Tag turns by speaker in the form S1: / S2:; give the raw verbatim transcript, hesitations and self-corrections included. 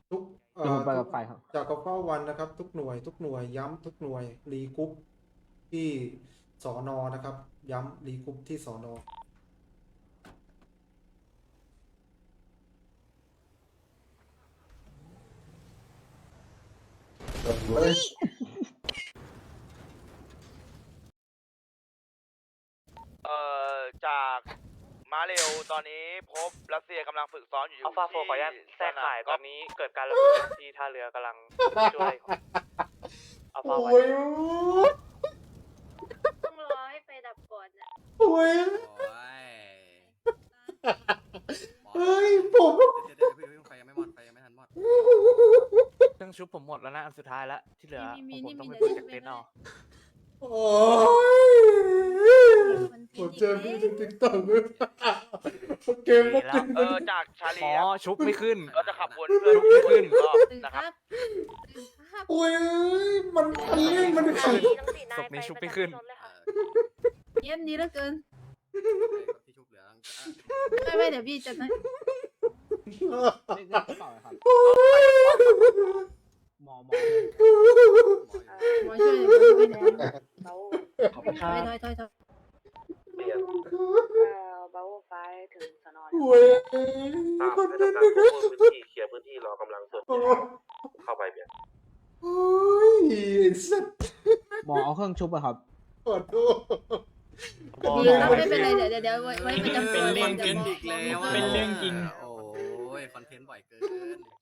S1: ทุกเอ่
S2: เดี๋ยวผมไป
S1: อทุก
S2: กับไฟครับ
S1: จากกระเฝ้าวันนะครับทุกหน่วยทุกหน่วยย้ำทุกหน่วยรีกรุ๊ปที่สอนอนะครับย้ำรีกรุ๊ปที่สอนอเฮ้ย
S3: เอ่อจากมาเร็วตอนนี้พบรัสเซียกำลังฝึกซ้อมอยู่
S4: อัลฟาโฟ
S3: ที่
S4: ขออนุญาตแทรกข่าย
S3: ส
S4: ต
S3: น
S4: อนนี้เกิดการระเบิดที่ท่าเรือกำลังช่วยอัลฟา
S1: โอ้
S4: ไว้
S1: ย
S5: ต้องรอให้ไฟดับก่อนอะ
S1: โอ้ย
S6: โอ้ย
S1: เฮ้ยผม
S6: เดี๋ยวเดี๋ยวเดี๋ยวเพิ่งไฟยังไม่หมดไฟยังไม่ทันหมด
S4: เครื่องชุบผมหมดแล้วนะอันสุดท้ายแล้วที่เหลือ
S5: มี
S4: ผม
S5: มี
S4: ต้อง
S5: มี
S4: ไป
S5: มี
S4: เปิดจากเต็นท์เอา
S1: โอ้ยผมเจอพี่ในติ๊กต็อกเลยเกมก็เป็น
S3: เออจากชาลี
S4: อ๋อชุบไม่ขึ้น
S3: เราจะขับวนเพื่อน
S4: ชุบไม่ขึ้น
S3: อีกรอบ
S5: ตื่น
S3: นะ
S5: ค
S3: ครั
S5: รั
S3: บบ
S5: ตื่นครับ
S1: โอ้ยมันคันเร่งมันขัน
S4: ศพนี้ชุบไม่ขึ้น
S6: เออ
S5: เยี่ยมดีเหลือเกิน
S6: ที่ชุบเหลือ
S5: ไม่ไม่เดี๋ยวพี่จะนะ
S2: เรียกเรียกกระเป๋าหน่อยครับหมอหมอ
S5: หมอช่วยหน่อยหมอช่วยหน่อย
S2: ขอบคุณค
S5: ถ
S2: รั
S5: อย
S2: บ
S5: ถอยถอยถอย
S7: เรียนเบาไฟถึงสนอน
S1: โอ้ย
S7: ตาม
S1: คน
S7: ให้
S1: นั้น
S7: ทำการ
S1: นะค
S7: คว
S1: รั
S7: บบ คุมพื้นที่เคลียร์พื้นที่รอกำลังส่วน
S1: โอ้
S7: เข้าไปเปลี่ยน
S1: โอ้ยไอ้สัตว์
S2: หมอเอาเครื่องชุบอะครับ
S1: ขอโทษ
S5: ดีครับไม่เป็นไรเดี๋ยวเดี๋ยวเดี๋ยวไว้ไว้ประจำตัว
S6: เป็น
S5: เดี๋ยว
S6: เรื่อง
S5: เดี๋ยว
S6: อีกแล้ว
S8: เป็นเรื่องจริง
S6: โอ้ยคอนเทนต์บ่อยเกิน